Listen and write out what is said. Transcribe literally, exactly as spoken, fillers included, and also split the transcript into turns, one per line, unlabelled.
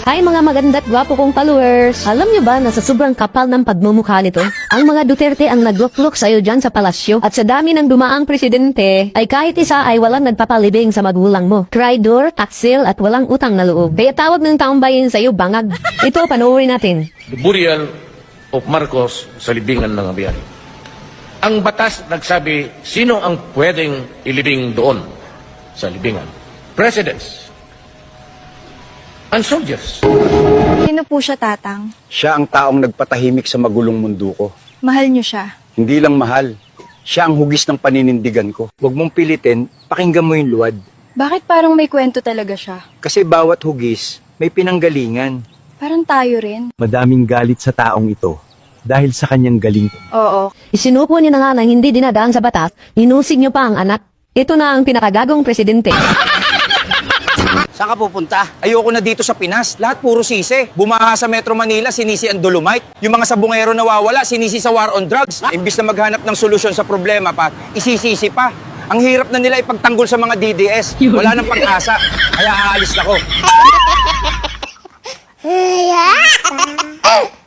Hi mga maganda't gwapo kong followers! Alam niyo ba na sa sobrang kapal ng pagmumukha nito, ang mga Duterte ang naglukluk sa'yo dyan sa palasyo at sa dami ng dumaang presidente, ay kahit isa ay walang nagpapalibing sa magulang mo. Traidor, taksil at walang utang na loob. Kaya tawag ng taong bayan sa'yo bangag. Ito, panoorin natin.
The burial of Marcos sa libingan ng Abiyan. Ang batas nagsabi, sino ang pwedeng ilibing doon sa libingan? Presidents and soldiers.
Sino po siya, Tatang?
Siya ang taong nagpatahimik sa magulong mundo ko.
Mahal niyo siya.
Hindi lang mahal, siya ang hugis ng paninindigan ko. Huwag mong pilitin, pakinggan mo yung luwad.
Bakit parang may kwento talaga siya?
Kasi bawat hugis, may pinanggalingan.
Parang tayo rin.
Madaming galit sa taong ito dahil sa kanyang galing.
Oo.
Isinupo niyo na nga ng hindi dinadaan sa batas, inusig niyo pa ang anak. Ito na ang pinakagagong presidente.
Saan ka pupunta? Ayoko na dito sa Pinas. Lahat puro sisi. Bumaha sa Metro Manila, sinisi ang Dolomite. Yung mga sabungero nawawala, sinisi sa war on drugs. Imbis na maghanap ng solusyon sa problema pa, isisisi pa. Ang hirap na nila ipagtanggol sa mga D D S. Wala nang pag-asa. Kaya aalis na ko.